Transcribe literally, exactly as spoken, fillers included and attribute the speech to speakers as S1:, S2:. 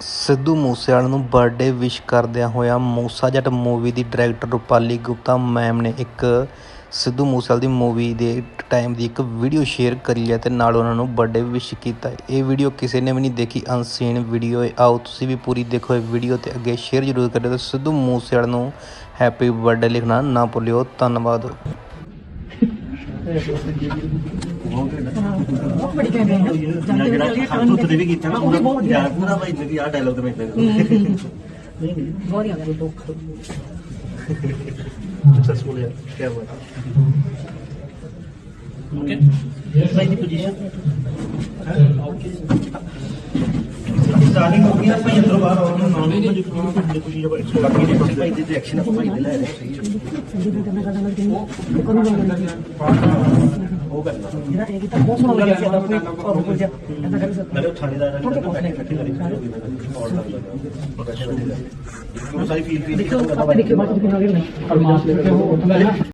S1: ਸਿੱਧੂ ਮੂਸੇਵਾਲੇ ਨੂੰ birthday wish ਕਰਦਿਆਂ ਹੋਇਆ ਮੂਸਾ ਜੱਟ ਮੂਵੀ ਦੀ ਡਾਇਰੈਕਟਰ ਰੂਪਾਲੀ ਗੁਪਤਾ ਮੈਮ ਨੇ ਇੱਕ ਸਿੱਧੂ ਮੂਸੇਵਾਲੇ ਦੀ ਮੂਵੀ ਦੇ ਟਾਈਮ ਦੀ ਇੱਕ ਵੀਡੀਓ ਸ਼ੇਅਰ ਕਰੀ ਹੈ ਅਤੇ ਨਾਲ ਉਹਨਾਂ ਨੂੰ ਬਰਥਡੇ ਵਿਸ਼ ਕੀਤਾ। ਇਹ ਵੀਡੀਓ ਕਿਸੇ ਨੇ ਵੀ ਨਹੀਂ ਦੇਖੀ, ਅਨਸੀਨ ਵੀਡੀਓ ਹੈ। ਆਓ ਤੁਸੀਂ ਵੀ ਪੂਰੀ ਦੇਖੋ ਇਹ ਵੀਡੀਓ ਅਤੇ ਅੱਗੇ ਸ਼ੇਅਰ ਜ਼ਰੂਰ ਕਰਿਓ ਅਤੇ ਸਿੱਧੂ ਮੂਸੇਵਾਲੇ ਨੂੰ ਹੈਪੀ ਬਰਥਡੇ ਲਿਖਣਾ ਨਾ ਭੁੱਲਿਓ। ਧੰਨਵਾਦ।
S2: सक्सेसफुल है, क्या हुआ? ओके, भाई दी पोजीशन स्टार्टिंग हो गई ना भाई अंदर बाहर और ना नाम में जो कुछ जब बाकी नहीं बस भाई दी एक्शन आप भाई दिला रहे सही वो करना मेरा एक ही था बहुत सुना लगा था कोई और ऊपर जा ऐसा कर सकते मैं थानेदार ने बैठे बैठे करी और लग लगा वो सारी फील फील देखो आप देखिए बात कितना हो गई